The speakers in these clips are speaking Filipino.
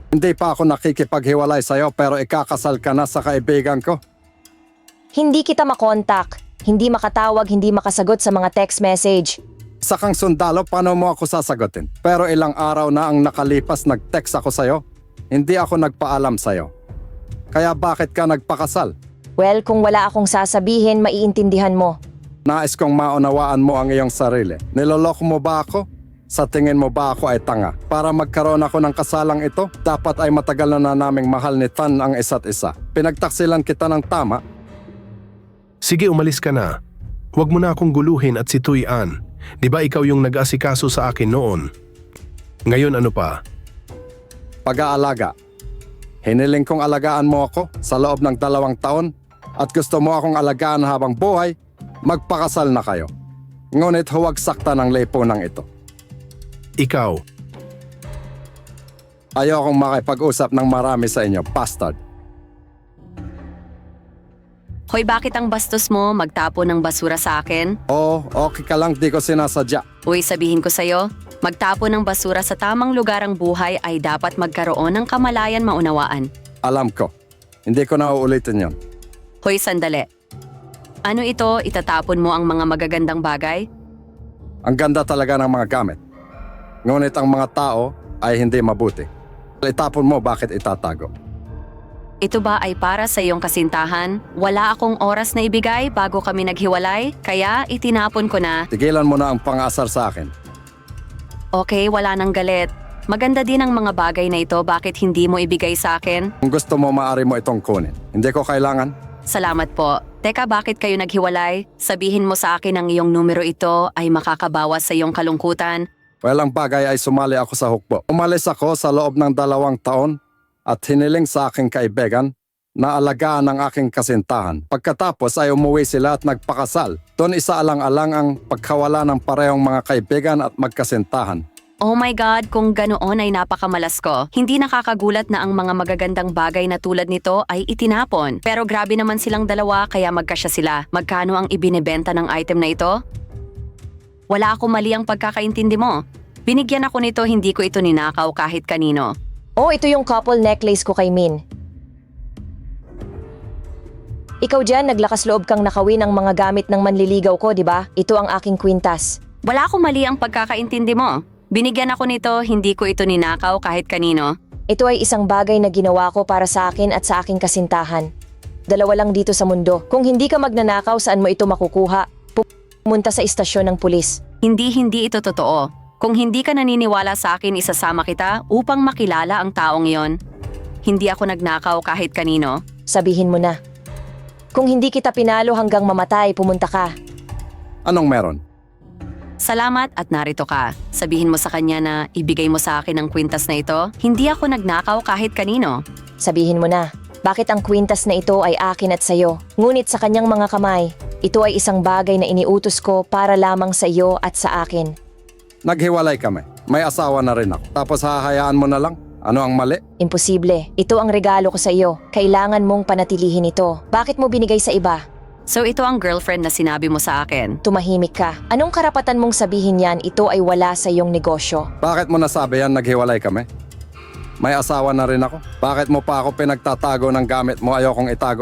Hindi pa ako nakikipaghiwalay sa'yo pero ikakasal ka na sa kaibigan ko. Hindi kita makontak, hindi makatawag, hindi makasagot sa mga text message. Isa kang sundalo, paano mo ako sasagutin? Pero ilang araw na ang nakalipas nag-text ako sa'yo. Hindi ako nagpaalam sa'yo. Kaya bakit ka nagpakasal? Well, kung wala akong sasabihin, maiintindihan mo. Nais kong maunawaan mo ang iyong sarili. Niloloko mo ba ako? Sa tingin mo ba ako ay tanga? Para magkaroon ako ng kasalang ito, dapat ay matagal na naming mahal ni Tan ang isa't isa. Pinagtaksilan kita ng tama. Sige, umalis ka na. Huwag mo na akong guluhin at si Tuy An. Di ba ikaw yung nag-asikaso sa akin noon? Ngayon ano pa? Pag-aalaga. Hiniling kong alagaan mo ako sa loob ng 2 taon at gusto mo akong alagaan habang buhay, magpakasal na kayo. Ngunit huwag sakta ng lipunang ito. Ikaw, Ayokong makipag-usap ng marami sa inyo, bastard. Hoy, bakit ang bastos mo magtapon ng basura sa akin? Oo, okay ka lang, di ko sinasadya. Uy, sabihin ko sa'yo, magtapon ng basura sa tamang lugar ang buhay ay dapat magkaroon ng kamalayan maunawaan. Alam ko. Hindi ko na uulitin yon. Hoy, sandali. Ano ito, itatapon mo ang mga magagandang bagay? Ang ganda talaga ng mga gamit. Ngunit ang mga tao ay hindi mabuti. Itapon mo, bakit itatago? Ito ba ay para sa iyong kasintahan? Wala akong oras na ibigay bago kami naghiwalay, kaya itinapon ko na. Tigilan mo na ang pang-asar sa akin. Okay, wala nang galit. Maganda din ang mga bagay na ito, bakit hindi mo ibigay sa akin? Kung gusto mo, maaari mo itong kunin. Hindi ko kailangan. Salamat po. Teka, bakit kayo naghiwalay? Sabihin mo sa akin ang iyong numero ito ay makakabawas sa iyong kalungkutan. Well, ang bagay ay sumali ako sa hukbo. Umalis ako sa loob ng 2 taon at hiniling sa aking kaibigan na alagaan ang aking kasintahan. Pagkatapos ay umuwi sila at nagpakasal. Doon isaalang-alang ang pagkawala ng parehong mga kaibigan at magkasintahan. Oh my God, kung ganoon ay napakamalas ko. Hindi nakakagulat na ang mga magagandang bagay na tulad nito ay itinapon. Pero grabe naman silang dalawa kaya magkasya sila. Magkano ang ibinebenta ng item na ito? Wala akong mali ang pagkakaintindi mo. Binigyan ako nito, hindi ko ito ninakaw kahit kanino. Oh, ito yung couple necklace ko kay Min. Ikaw dyan, naglakas loob kang nakawin ang mga gamit ng manliligaw ko, di ba? Ito ang aking kwintas. Wala akong mali ang pagkakaintindi mo. Binigyan ako nito, hindi ko ito ninakaw kahit kanino. Ito ay isang bagay na ginawa ko para sa akin at sa aking kasintahan. 2 lang dito sa mundo. Kung hindi ka magnanakaw, saan mo ito makukuha? Pumunta sa istasyon ng pulis. Hindi ito totoo. Kung hindi ka naniniwala sa akin, isasama kita upang makilala ang taong iyon. Hindi ako nagnakaw kahit kanino. Sabihin mo na. Kung hindi kita pinalo hanggang mamatay, pumunta ka. Anong meron? Salamat at narito ka. Sabihin mo sa kanya na ibigay mo sa akin ang kwintas na ito. Hindi ako nagnakaw kahit kanino. Sabihin mo na. Bakit ang kwintas na ito ay akin at sayo? Ngunit sa kanyang mga kamay, ito ay isang bagay na iniutos ko para lamang sa iyo at sa akin. Naghiwalay kami. May asawa na rin ako. Tapos hahayaan mo na lang? Ano ang mali? Imposible. Ito ang regalo ko sa iyo. Kailangan mong panatilihin ito. Bakit mo binigay sa iba? So ito ang girlfriend na sinabi mo sa akin. Tumahimik ka. Anong karapatan mong sabihin yan? Ito ay wala sa iyong negosyo. Bakit mo nasabi yan naghiwalay kami? May asawa na rin ako. Bakit mo pa ako pinagtatago ng gamit mo? Ayokong itago.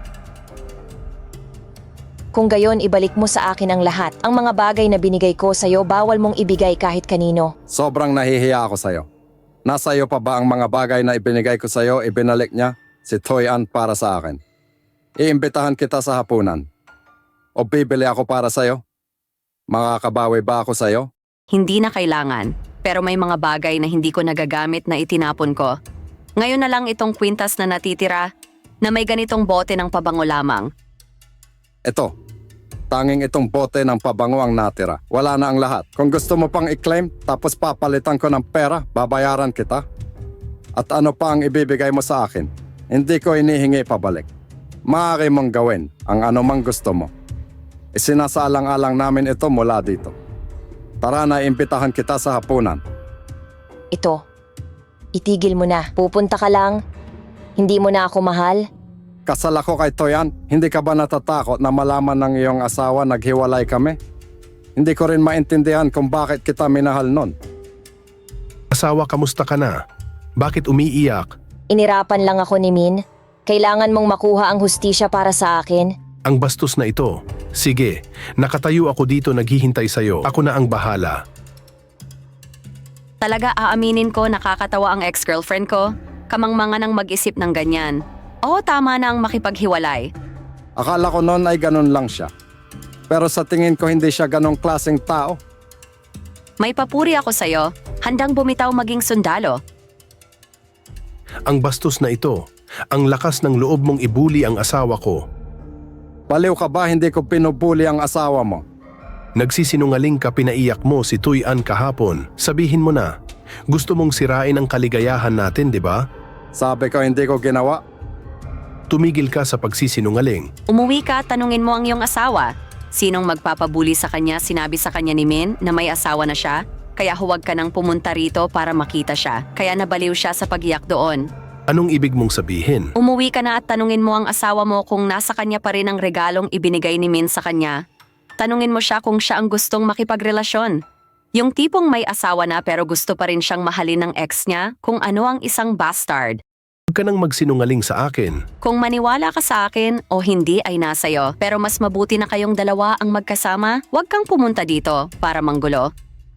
Kung gayon, ibalik mo sa akin ang lahat. Ang mga bagay na binigay ko sa iyo, bawal mong ibigay kahit kanino. Sobrang nahihiya ako sa'yo. Nasa iyo pa ba ang mga bagay na ibinigay ko sa'yo, ibinalik niya si Tuy An para sa akin? Iimbitahan kita sa hapunan. O bibili ako para sa'yo? Makakabawi ba ako sa'yo? Hindi na kailangan. Pero may mga bagay na hindi ko nagagamit na itinapon ko. Ngayon na lang itong kwintas na natitira na may ganitong bote ng pabango lamang. Ito, tanging itong bote ng pabango ang natira. Wala na ang lahat. Kung gusto mo pang i-claim, tapos papalitan ko ng pera, babayaran kita. At ano pa ang ibibigay mo sa akin? Hindi ko inihingi pabalik. Maaari mong gawin ang anumang gusto mo. Isinasaalang-alang namin ito mula dito. Tara na, imbitahan kita sa hapunan. Ito. Itigil mo na. Pupunta ka lang. Hindi mo na ako mahal. Kasal ako kay Tuy An. Hindi ka ba natatakot na malaman ng iyong asawa naghiwalay kami? Hindi ko rin maintindihan kung bakit kita minahal nun. Asawa, kamusta ka na? Bakit umiiyak? Inirapan lang ako ni Min. Kailangan mong makuha ang hustisya para sa akin. Ang bastos na ito. Sige, nakatayo ako dito naghihintay sa'yo. Ako na ang bahala. Talaga aaminin ko nakakatawa ang ex-girlfriend ko? Kamangmangan ang mag-isip ng ganyan. Oo, tama na ang makipaghiwalay. Akala ko noon ay ganun lang siya. Pero sa tingin ko hindi siya ganong klaseng tao. May papuri ako sa'yo. Handang bumitaw maging sundalo. Ang bastos na ito. Ang lakas ng loob mong ibuli ang asawa ko. Baliw ka ba hindi ko pinubuli ang asawa mo? Nagsisinungaling ka, pinaiyak mo si Tuy Ann kahapon. Sabihin mo na. Gusto mong sirain ang kaligayahan natin, di ba? Sabi ko hindi ko ginawa. Tumigil ka sa pagsisinungaling. Umuwi ka, tanungin mo ang iyong asawa. Sinong magpapabuli sa kanya, sinabi sa kanya ni Min na may asawa na siya? Kaya huwag ka nang pumunta rito para makita siya. Kaya nabaliw siya sa pagiyak doon. Anong ibig mong sabihin? Umuwi ka na at tanungin mo ang asawa mo kung nasa kanya pa rin ang regalong ibinigay ni Min sa kanya. Tanungin mo siya kung siya ang gustong makipagrelasyon. Yung tipong may asawa na pero gusto pa rin siyang mahalin ng ex niya kung ano ang isang bastard. Huwag ka nang magsinungaling sa akin. Kung maniwala ka sa akin o hindi ay nasayo, pero mas mabuti na kayong dalawa ang magkasama, huwag kang pumunta dito para manggulo.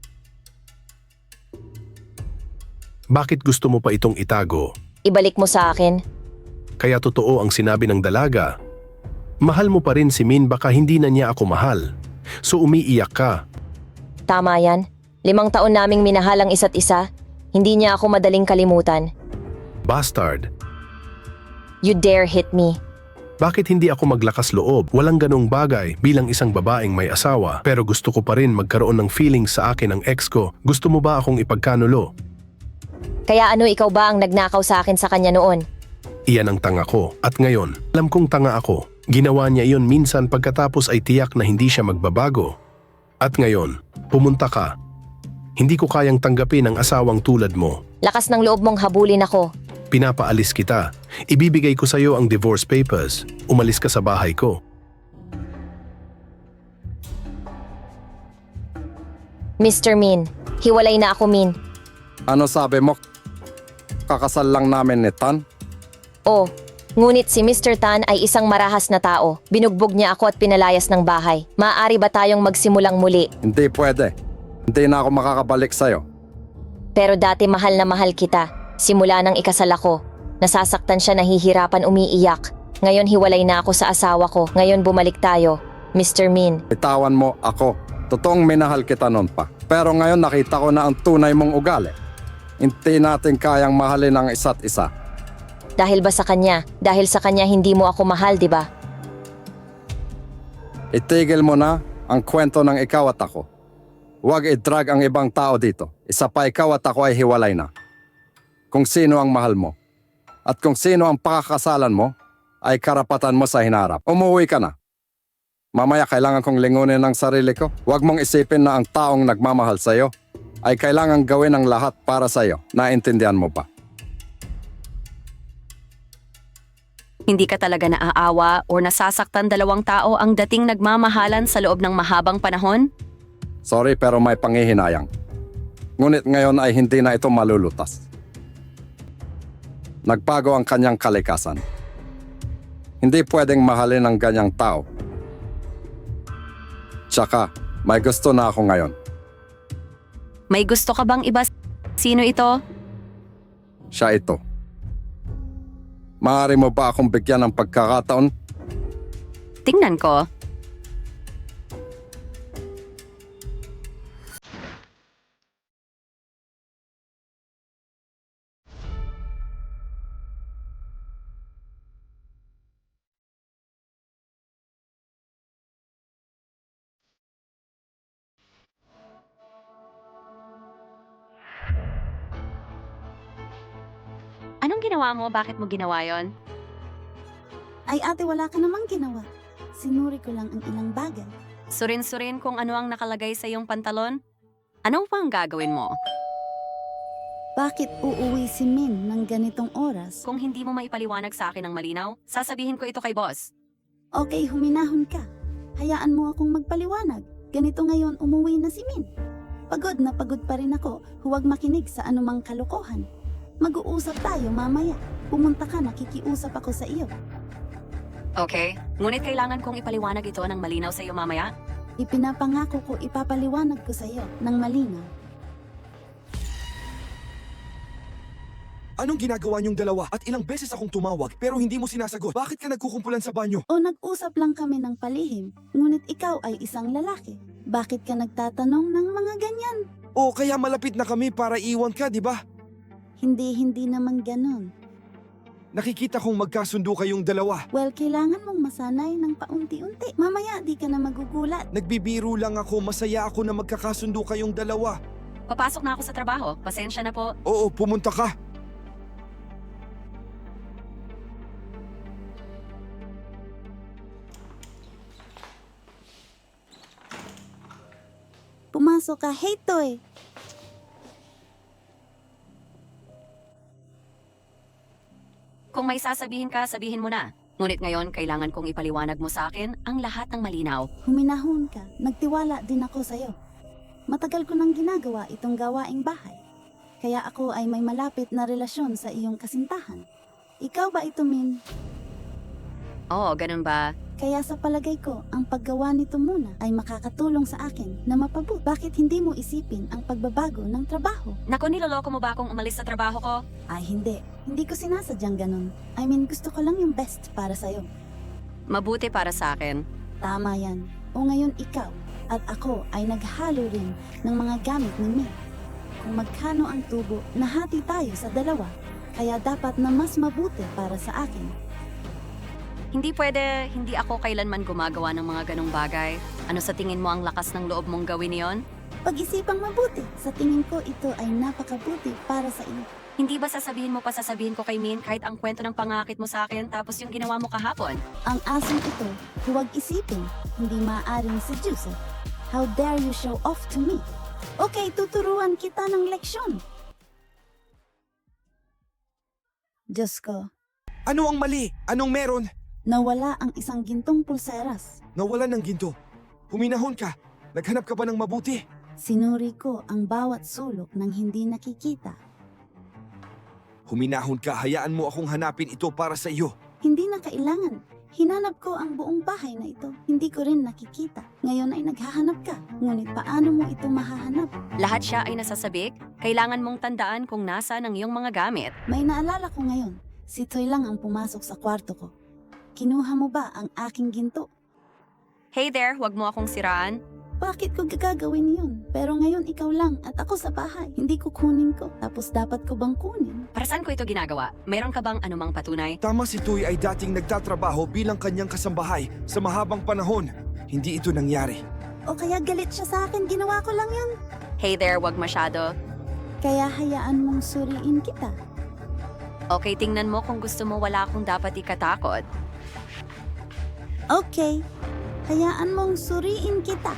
Bakit gusto mo pa itong itago? Ibalik mo sa akin. Kaya totoo ang sinabi ng dalaga. Mahal mo pa rin si Min, baka hindi na niya ako mahal. So umiiyak ka. Tama yan. 5 taon naming minahal ang isa't isa. Hindi niya ako madaling kalimutan. Bastard. You dare hit me. Bakit hindi ako maglakas loob? Walang ganong bagay bilang isang babaeng may asawa. Pero gusto ko pa rin magkaroon ng feelings sa akin ng ex ko. Gusto mo ba akong ipagkanulo? Kaya ano, ikaw ba ang nagnakaw sa akin sa kanya noon? Iyan ang tanga ko. At ngayon, alam kong tanga ako. Ginawa niya iyon minsan pagkatapos ay tiyak na hindi siya magbabago. At ngayon, pumunta ka. Hindi ko kayang tanggapin ang asawang tulad mo. Lakas ng loob mong habulin ako. Pinapaalis kita. Ibibigay ko sa iyo ang divorce papers. Umalis ka sa bahay ko. Mr. Min, hiwalay na ako, Min. Ano sabi mo? Kakasal lang namin ni Tan? Oh, ngunit si Mr. Tan ay isang marahas na tao. Binugbog niya ako at pinalayas ng bahay. Maaari ba tayong magsimulang muli? Hindi pwede. Hindi na ako makakabalik sa'yo. Pero dati mahal na mahal kita. Simula nang ikasal ako. Nasasaktan siya, nahihirapan, umiiyak. Ngayon hiwalay na ako sa asawa ko. Ngayon bumalik tayo. Mr. Min, Bitawan mo ako. Totoong minahal kita noon pa. Pero ngayon nakita ko na ang tunay mong ugali. Hindi natin kayang mahalin ang isa't isa. dahil ba sa kanya? Dahil sa kanya hindi mo ako mahal, di ba? Itigil mo na ang kwento ng ikaw at ako. Huwag i-drag ang ibang tao dito. Isa pa, ikaw at ako ay hiwalay na. Kung sino ang mahal mo at kung sino ang pakakasalan mo, ay karapatan mo sa hinarap. Umuwi ka na. Mamaya kailangan kong lingunin ang sarili ko. Huwag mong isipin na ang taong nagmamahal sa'yo ay kailangan gawin ang lahat para sa'yo. Naintindihan mo ba? Hindi ka talaga naaawa o nasasaktan dalawang tao ang dating nagmamahalan sa loob ng mahabang panahon? Sorry pero may pangihinayang. Ngunit ngayon ay hindi na ito malulutas. Nagbago ang kanyang kalikasan. Hindi pwedeng mahalin ang ganyang tao. Tsaka, may gusto na ako ngayon. May gusto ka bang iba? Sino ito? Siya ito. Maaari mo ba akong bigyan ng pagkakataon? Tingnan ko. Anong ginawa mo? Bakit mo ginawa yon? Ay ate, wala ka namang ginawa. Sinuri ko lang ang ilang bagay. Surin-surin kung ano ang nakalagay sa iyong pantalon? Ano pa ang gagawin mo? Bakit uuwi si Min ng ganitong oras? Kung hindi mo maipaliwanag sa akin ng malinaw, sasabihin ko ito kay boss. Okay, huminahon ka. Hayaan mo akong magpaliwanag. Ganito ngayon umuwi na si Min. Pagod na pagod pa rin ako. Huwag makinig sa anumang kalokohan. Mag-uusap tayo mamaya. Pumunta ka, nakikiusap ako sa iyo. Okay, ngunit kailangan kong ipaliwanag ito ng malinaw sa iyo mamaya. Ipinapangako ko ipapaliwanag ko sa iyo ng malinaw. Anong ginagawa niyong dalawa? At ilang beses akong tumawag pero hindi mo sinasagot. Bakit ka nagkukumpulan sa banyo? O nag-usap lang kami ng palihim, ngunit ikaw ay isang lalaki. Bakit ka nagtatanong ng mga ganyan? O kaya malapit na kami para iwan ka, di ba? Hindi naman ganon. Nakikita kong magkasundo kayong dalawa. Well, kailangan mong masanay ng paunti-unti. Mamaya di ka na magugulat. Nagbibiro lang ako, masaya ako na magkakasundo kayong dalawa. Papasok na ako sa trabaho. Pasensya na po. Oo, pumunta ka. Pumasok ka, hey Toy! Kung may sasabihin ka, sabihin mo na. Ngunit ngayon, kailangan kong ipaliwanag mo sa akin ang lahat ng malinaw. Huminahon ka, nagtiwala din ako sa'yo. Matagal ko nang ginagawa itong gawaing bahay. Kaya ako ay may malapit na relasyon sa iyong kasintahan. Ikaw ba ito, Min? Oo, ganun ba? Kaya sa palagay ko, ang paggawa nito muna ay makakatulong sa akin na mapabut. Bakit hindi mo isipin ang pagbabago ng trabaho? Naku, niloloko mo ba akong umalis sa trabaho ko? Ay hindi, hindi ko sinasadyang ganun. I mean, gusto ko lang yung best para sa'yo. Mabuti para sa akin. Tama yan. O ngayon ikaw at ako ay naghalo rin ng mga gamit ni May. Kung magkano ang tubo, nahati tayo sa dalawa. Kaya dapat na mas mabuti para sa akin. Hindi pwede, hindi ako kailanman gumagawa ng mga ganong bagay. Ano sa tingin mo ang lakas ng loob mong gawin yon? Pag-isipang mabuti, sa tingin ko ito ay napakabuti para sa iyo. Hindi ba sasabihin mo pa sasabihin ko kay Min kahit ang kwento ng pangakit mo sa akin tapos yung ginawa mo kahapon? Ang asong ito, huwag isipin, hindi maaaring seduce. How dare you show off to me? Okay, tuturuan kita ng leksyon. Diyos ko, Ano ang mali? Anong meron? nawala ang isang gintong pulseras. Nawala ng ginto. Huminahon ka. Naghanap ka ba ng mabuti? Sinuri ko ang bawat sulok ng hindi nakikita. Huminahon ka, hayaan mo akong hanapin ito para sa iyo. Hindi na kailangan. Hinanap ko ang buong bahay na ito. Hindi ko rin nakikita. Ngayon ay naghahanap ka. Ngunit paano mo ito mahahanap? Lahat siya ay nasasabik, kailangan mong tandaan kung nasa ng iyong mga gamit. May naalala ko ngayon. Si Toy lang ang pumasok sa kwarto ko. Kinuha mo ba ang aking ginto? Hey there, huwag mo akong siraan. Bakit ko gagawin yun? Pero ngayon ikaw lang at ako sa bahay. Hindi ko kunin ko. Tapos dapat ko bang kunin? Para saan ko ito ginagawa? Meron ka bang anumang patunay? Tama, si Tuy ay dating nagtatrabaho bilang kanyang kasambahay sa mahabang panahon. Hindi ito nangyari. O kaya galit siya sa akin, ginawa ko lang yun. Hey there, wag masyado. Kaya hayaan mong suriin kita. Okay, tingnan mo kung gusto mo wala akong dapat ikatakot. Okay, hayaan mong suriin kita.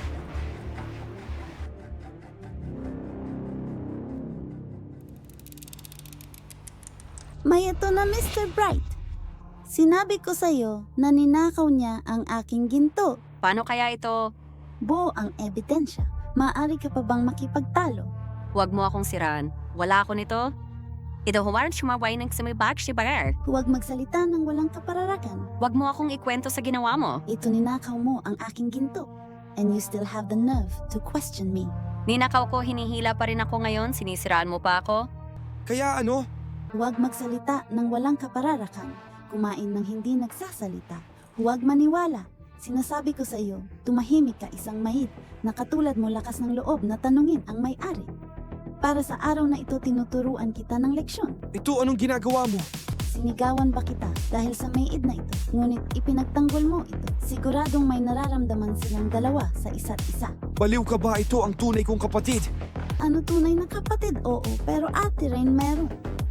May ito na Mr. Bright. Sinabi ko sa'yo na ninakaw niya ang aking ginto. Paano kaya ito? Buo ang ebidensya. Maaari ka pa bang makipagtalo? Huwag mo akong siraan. Wala ako nito. Ito huwaran sumaway ng sa may bag si Barer. Huwag magsalita ng walang kapararakan. Huwag mo akong ikwento sa ginawa mo. Ito ninakaw mo ang aking ginto. And you still have the nerve to question me. Ninakaw ko, hinihila pa rin ako ngayon, sinisiraan mo pa ako. Kaya ano? Huwag magsalita ng walang kapararakan. Kumain ng hindi nagsasalita. Huwag maniwala. Sinasabi ko sa iyo, tumahimik ka isang mahid na katulad mo lakas ng loob na tanungin ang may-ari. Para sa araw na ito tinuturuan kita ng leksyon. Ito anong ginagawa mo? Sinigawan ba kita dahil sa may-id na ito? Ngunit ipinagtanggol mo ito. Siguradong may nararamdaman silang dalawa sa isa't isa. Baliw ka ba? Ito ang tunay kong kapatid. Ano tunay na kapatid? Oo, pero ate rin meron.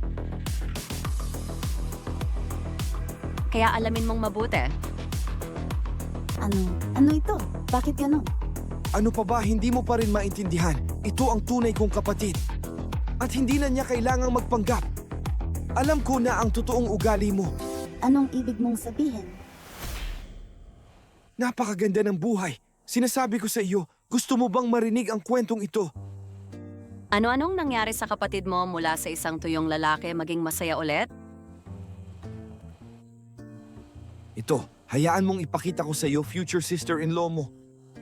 Kaya alamin mong mabuti. Ano ito? Bakit ganon? Ano pa ba, hindi mo pa rin maintindihan? Ito ang tunay kong kapatid. At hindi na niya kailangang magpanggap. Alam ko na ang totoong ugali mo. Anong ibig mong sabihin? Napakaganda ng buhay. Sinasabi ko sa iyo, gusto mo bang marinig ang kwentong ito? Ano-anong nangyari sa kapatid mo mula sa isang tuyong lalaki maging masaya ulit? Ito, hayaan mong ipakita ko sa iyo future sister-in-law mo.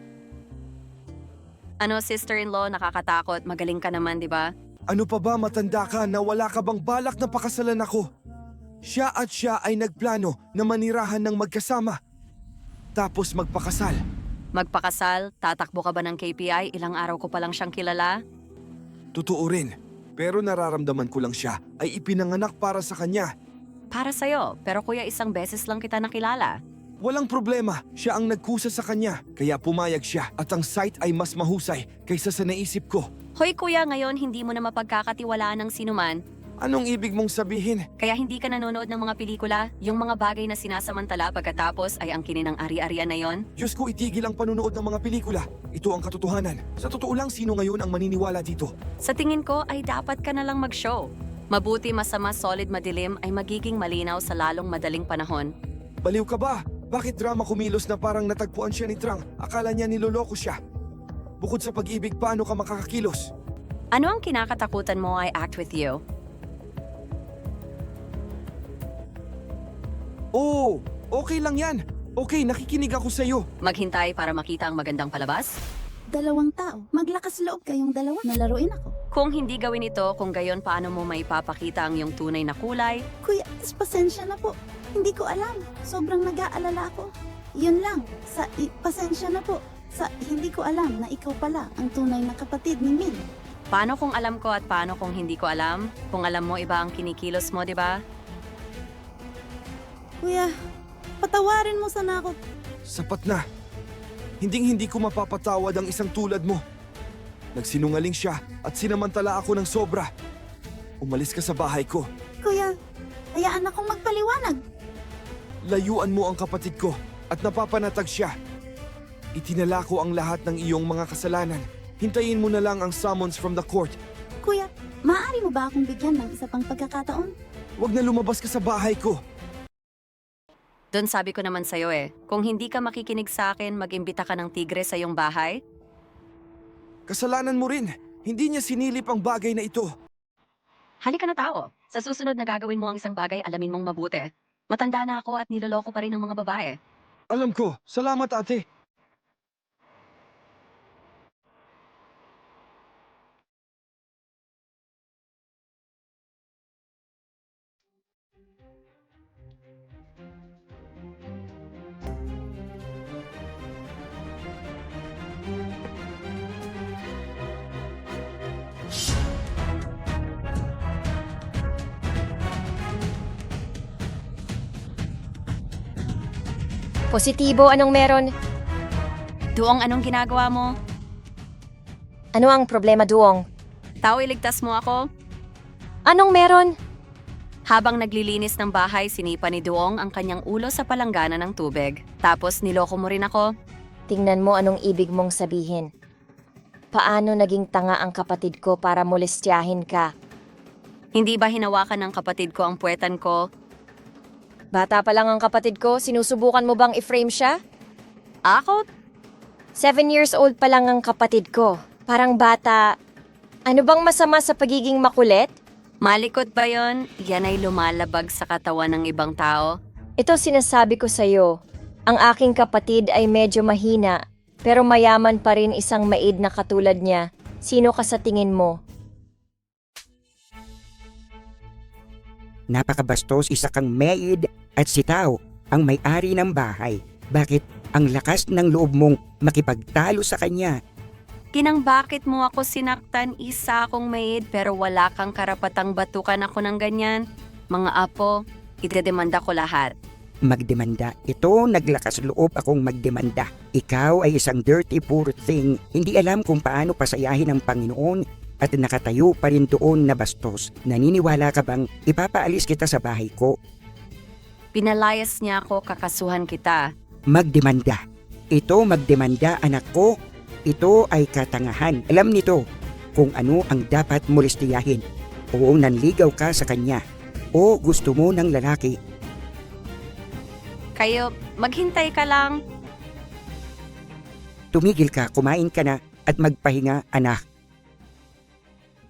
Ano, sister-in-law, nakakatakot. Magaling ka naman, di ba? Ano pa ba, matanda ka na wala ka bang balak na pakasalan ako? Siya ay nagplano na manirahan ng magkasama. Tapos magpakasal. Magpakasal, tatakbo ka ba ng KPI? Ilang araw ko pa lang siyang kilala? Totoo rin. Pero nararamdaman ko lang siya ay ipinanganak para sa kanya. Para sa'yo, pero kuya isang beses lang kita nakilala. Walang problema, siya ang nagkusa sa kanya. Kaya pumayag siya at ang site ay mas mahusay kaysa sa naisip ko. Hoy kuya, ngayon hindi mo na mapagkakatiwalaan ng sinuman. Anong ibig mong sabihin? Kaya hindi ka nanonood ng mga pelikula, yung mga bagay na sinasamantala pagkatapos ay ang kininang ari-arian na yon. Diyos ko, itigil ang panunood ng mga pelikula. Ito ang katotohanan. Sa totoo lang, sino ngayon ang maniniwala dito? Sa tingin ko ay dapat ka na lang mag-show. Mabuti, masama, solid, madilim ay magiging malinaw sa lalong madaling panahon. Baliw ka ba? Bakit drama kumilos na parang natagpuan siya ni Trang? Akala niya niloloko siya. Bukod sa pag-ibig, paano ka makakakilos? Ano ang kinakatakutan mo I act with you? Oo, okay lang yan. Okay, nakikinig ako sa'yo. Maghintay para makita ang magandang palabas? 2 tao. Maglakas loob kayong dalawa na laruin ako. Kung hindi gawin ito, kung gayon paano mo maipapakita ang iyong tunay na kulay? Kuya, pasensya na po. Hindi ko alam. Sobrang nag-aalala ako. Yun lang. Pasensya na po. Hindi ko alam na ikaw pala ang tunay na kapatid ni Min. Paano kung alam ko at paano kung hindi ko alam? Kung alam mo iba ang kinikilos mo, di ba? Kuya, patawarin mo sana ako. Sapat na. Hindi ko mapapatawad ang isang tulad mo. Nagsinungaling siya at sinamantala ako ng sobra. Umalis ka sa bahay ko. Kuya, hayaan akong magpaliwanag. Layuan mo ang kapatid ko at napapanatag siya. Itinala ko ang lahat ng iyong mga kasalanan. Hintayin mo na lang ang summons from the court. Kuya, maaari mo ba akong bigyan ng isa pang pagkakataon? Huwag na lumabas ka sa bahay ko. Doon sabi ko naman sa'yo kung hindi ka makikinig sa akin, mag-imbita ka ng tigre sa iyong bahay. Kasalanan mo rin. Hindi niya sinilip ang bagay na ito. Halika na tao. Sa susunod na gagawin mo ang isang bagay, alamin mong mabuti. Matanda na ako at niloloko pa rin ng mga babae. Alam ko. Salamat, ate. Positibo, anong meron? Duong, anong ginagawa mo? Ano ang problema, Duong? Tao, iligtas mo ako? Anong meron? Habang naglilinis ng bahay, sinipa ni Duong ang kanyang ulo sa palanggana ng tubig. Tapos niloko mo rin ako. Tingnan mo anong ibig mong sabihin. Paano naging tanga ang kapatid ko para molestyahin ka? Hindi ba hinawakan ng kapatid ko ang puwetan ko? Bata pa lang ang kapatid ko, sinusubukan mo bang i-frame siya? Ako? 7 years old pa lang ang kapatid ko. Parang bata. Ano bang masama sa pagiging makulit? Malikot ba yon? Yan ay lumalabag sa katawan ng ibang tao. Ito sinasabi ko sa'yo. Ang aking kapatid ay medyo mahina, pero mayaman pa rin isang maid na katulad niya. Sino ka sa tingin mo? Napakabastos, isa kang maid at si Tao ang may-ari ng bahay. Bakit ang lakas ng loob mong makipagtalo sa kanya? Kinang bakit mo ako sinaktan, isa akong maid pero wala kang karapatang batukan ako ng ganyan? Mga apo, idedemanda ko lahat. Magdemanda. Ito, naglakas loob akong magdemanda. Ikaw ay isang dirty poor thing. Hindi alam kung paano pasayahin ang Panginoon at nakatayo pa rin doon na bastos. Naniniwala ka bang ipapaalis kita sa bahay ko? Pinalayas niya ako, kakasuhan kita. Magdemanda. Ito, magdemanda, anak ko. Ito ay katangahan. Alam nito kung ano ang dapat molestiyahin. O nanligaw ka sa kanya. O gusto mo ng lalaki. Kayo, maghintay ka lang. Tumigil ka, kumain ka na at magpahinga, anak.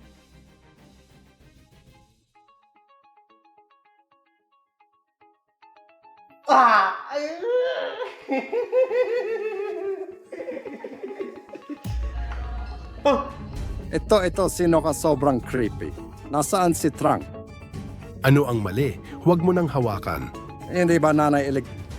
Ito, sino ka sobrang creepy? Nasaan si Trang? Ano ang mali? Huwag mo nang hawakan. Hindi ba nanay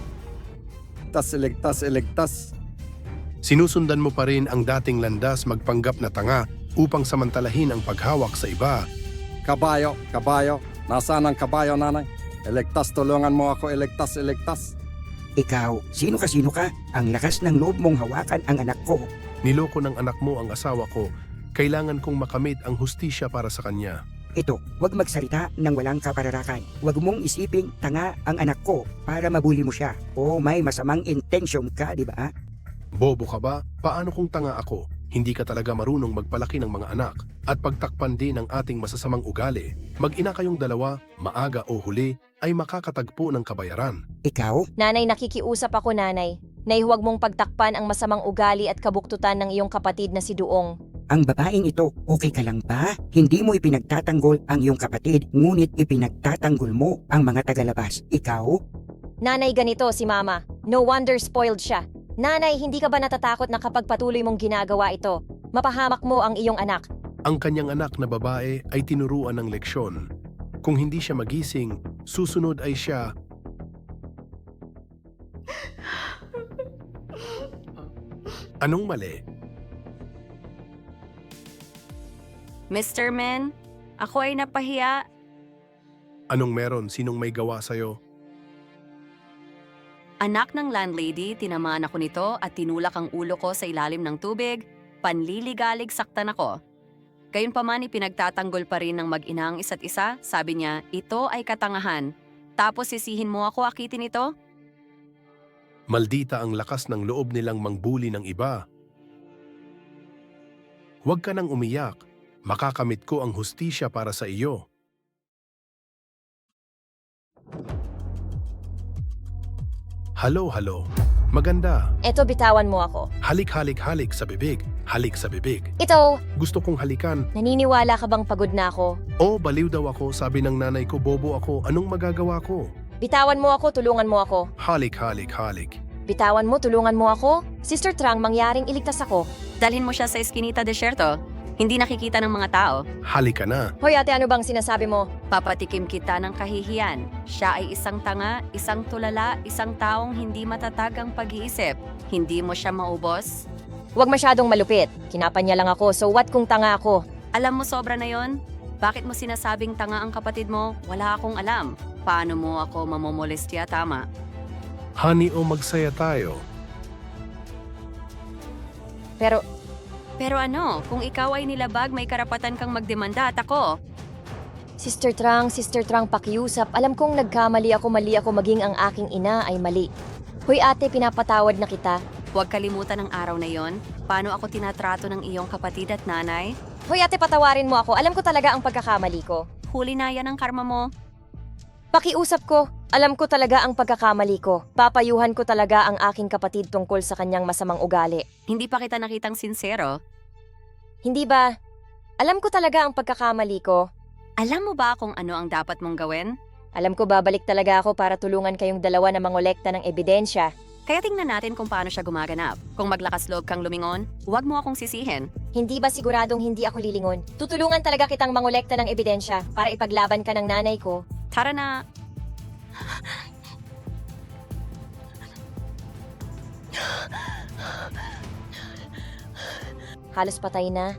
iligtas? Sinusundan mo pa rin ang dating landas magpanggap na tanga upang samantalahin ang paghawak sa iba. Kabayo. Nasaan ang kabayo, nanay? Iligtas, tulungan mo ako, iligtas. Ikaw, sino ka? Ang lakas ng loob mong hawakan ang anak ko. Niloko ng anak mo ang asawa ko. Kailangan kong makamit ang hustisya para sa kanya. Ito, huwag magsalita ng walang kapararakan. Huwag mong isiping tanga ang anak ko para mabuli mo siya. O may masamang intensyon ka, di ba? Bobo ka ba? Paano kung tanga ako? Hindi ka talaga marunong magpalaki ng mga anak at pagtakpan din ang ating masasamang ugali. Mag-ina kayong dalawa, maaga o huli, ay makakatagpo ng kabayaran. Ikaw, Nanay, nakikiusap ako, nanay. Nay, huwag mong pagtakpan ang masamang ugali at kabuktutan ng iyong kapatid na si Duong. ang babaeng ito, okay ka lang ba? Hindi mo ipinagtatanggol ang iyong kapatid, ngunit ipinagtatanggol mo ang mga tagalabas. Ikaw? Nanay, ganito si Mama. No wonder spoiled siya. Nanay, hindi ka ba natatakot na kapag patuloy mong ginagawa ito, mapahamak mo ang iyong anak? Ang kanyang anak na babae ay tinuruan ng leksyon. Kung hindi siya magising, susunod ay siya. Anong mali? Mr. Men, ako ay napahiya. Anong meron? Sinong may gawa sa'yo? Anak ng landlady, tinamaan ako nito at tinulak ang ulo ko sa ilalim ng tubig. Panliligalig saktan ako. Gayunpaman ipinagtatanggol pa rin ng mag-ina ang isa't isa. Sabi niya, ito ay katangahan. Tapos sisihin mo ako akitin ito? Maldita ang lakas ng loob nilang mangbuli ng iba. Huwag ka nang umiyak. Makakamit ko ang hustisya para sa iyo. Halo. Maganda. Eto, bitawan mo ako. Halik sa bibig. Halik sa bibig. Ito, Gusto kong halikan. naniniwala ka bang pagod na ako? Oh, baliw daw ako. Sabi ng nanay ko, bobo ako. Anong magagawa ko? Bitawan mo ako, tulungan mo ako. Halik. Bitawan mo, tulungan mo ako. Sister Trang, mangyaring iligtas ako. Dalhin mo siya sa Eskinita Desierto. Hindi nakikita ng mga tao. Halik ka na. Hoy ate, ano bang sinasabi mo? Papatikim kita ng kahihiyan. Siya ay isang tanga, isang tulala, isang taong hindi matatag ang pag-iisip. Hindi mo siya maubos? Huwag masyadong malupit. Kinapan niya lang ako, so what kung tanga ako? Alam mo sobra na yon? Bakit mo sinasabing tanga ang kapatid mo? Wala akong alam. Paano mo ako mamomolestya, tama? Honey, o magsaya tayo. Pero ano, kung ikaw ay nilabag, may karapatan kang magdemanda at ako. Sister Trang, pakiusap. Alam kong mali ako maging ang aking ina ay mali. Hoy ate, pinapatawad na kita. Huwag kalimutan ang araw na yon. Paano ako tinatrato ng iyong kapatid at nanay? Hoy ate, patawarin mo ako. Alam ko talaga ang pagkakamali ko. Huli na yan ang karma mo. Pakiusap ko. Alam ko talaga ang pagkakamali ko. Papayuhan ko talaga ang aking kapatid tungkol sa kanyang masamang ugali. Hindi pa kita nakitang sincero. Hindi ba? Alam ko talaga ang pagkakamali ko. Alam mo ba kung ano ang dapat mong gawin? Alam ko babalik talaga ako para tulungan kayong dalawa na mangolekta ng ebidensya. Kaya tingnan natin kung paano siya gumaganap. Kung maglakas loob kang lumingon, huwag mo akong sisihin. Hindi ba siguradong hindi ako lilingon? Tutulungan talaga kitang mangolekta ng ebidensya para ipaglaban ka ng nanay ko. Tara na. Halos patay na.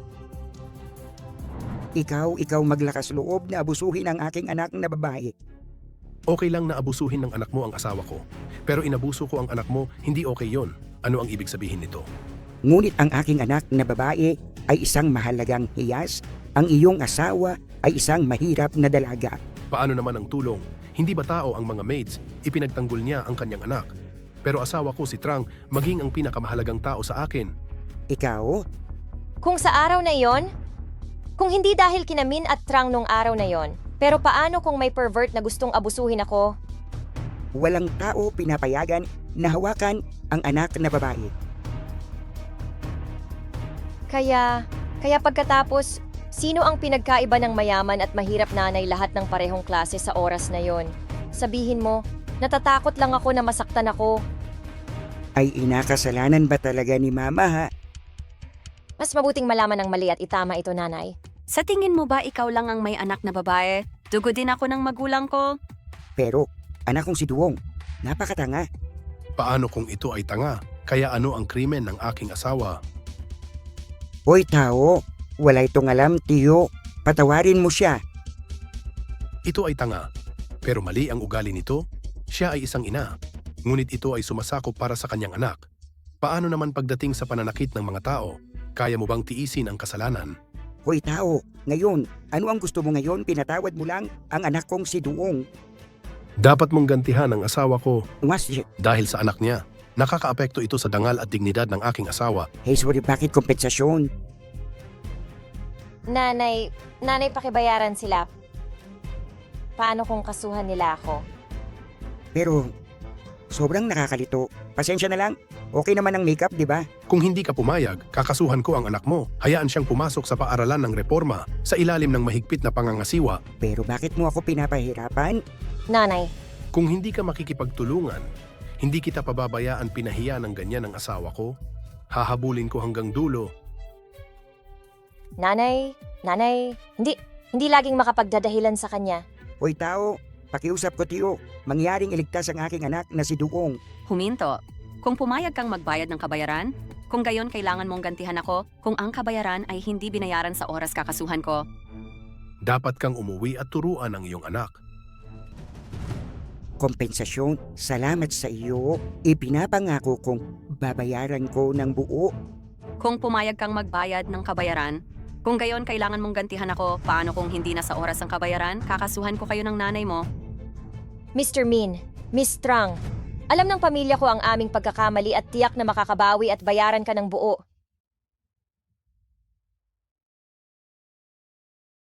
Ikaw maglakas loob na abusuhin ang aking anak na babae. Okay lang na abusuhin ng anak mo ang asawa ko. Pero inabuso ko ang anak mo, hindi okay yon. Ano ang ibig sabihin nito? Ngunit ang aking anak na babae ay isang mahalagang hiyas. Ang iyong asawa ay isang mahirap na dalaga. Paano naman ang tulong? Hindi ba tao ang mga maids? Ipinagtanggol niya ang kanyang anak. Pero asawa ko si Trang maging ang pinakamahalagang tao sa akin. Ikaw? Kung sa araw na iyon, kung hindi dahil kinamin at Trang nung araw na yon, pero paano kung may pervert na gustong abusuhin ako? Walang tao pinapayagan na hawakan ang anak na babae. Kaya pagkatapos, sino ang pinagkaiba ng mayaman at mahirap nanay lahat ng parehong klase sa oras na yon? Sabihin mo, Natatakot lang ako na masaktan ako. Ay inakasalanan ba talaga ni Mama ha? Mas mabuting malaman ng mali at itama ito, nanay. Sa tingin mo ba ikaw lang ang may anak na babae? Dugo din ako ng magulang ko. Pero anak kong si Duong, napakatanga. Paano kung ito ay tanga? Kaya ano ang krimen ng aking asawa? Hoy tao, wala itong alam tiyo. Patawarin mo siya. Ito ay tanga. Pero mali ang ugali nito. Siya ay isang ina. Ngunit ito ay sumasakop para sa kanyang anak. Paano naman pagdating sa pananakit ng mga tao? Kaya mo bang tiisin ang kasalanan? Hoy tao, ngayon, ano ang gusto mo ngayon? Pinatawad mo lang ang anak kong si Duong. Dapat mong gantihan ang asawa ko Ungas, dahil sa anak niya. Nakakaapekto ito sa dangal at dignidad ng aking asawa. hey sorry, bakit kompensasyon? Nanay, pakibayaran sila. Paano kung kasuhan nila ako? Pero sobrang nakakalito. Pasensya na lang. Okay naman ang makeup, di ba? Kung hindi ka pumayag, kakasuhan ko ang anak mo. Hayaan siyang pumasok sa paaralan ng reforma sa ilalim ng mahigpit na pangangasiwa. Pero bakit mo ako pinapahirapan? Nanay, Kung hindi ka makikipagtulungan, hindi kita pababayaan pinahiya ng ganyan ang asawa ko. Hahabulin ko hanggang dulo. nanay, hindi laging makapagdadahilan sa kanya. Hoy tao, pakiusap ko tiyo. Mangyaring iligtas ang aking anak na si Duong. Huminto. Kung pumayag kang magbayad ng kabayaran, kung gayon kailangan mong gantihan ako, kung ang kabayaran ay hindi binayaran sa oras kakasuhan ko. Dapat kang umuwi at turuan ang iyong anak. Kompensasyon, salamat sa iyo. Ipinapangako kong babayaran ko ng buo. Kung pumayag kang magbayad ng kabayaran, kung gayon kailangan mong gantihan ako, paano kung hindi na sa oras ang kabayaran, kakasuhan ko kayo ng nanay mo. Mr. Min, Miss Strang, alam ng pamilya ko ang aming pagkakamali at tiyak na makakabawi at bayaran ka ng buo.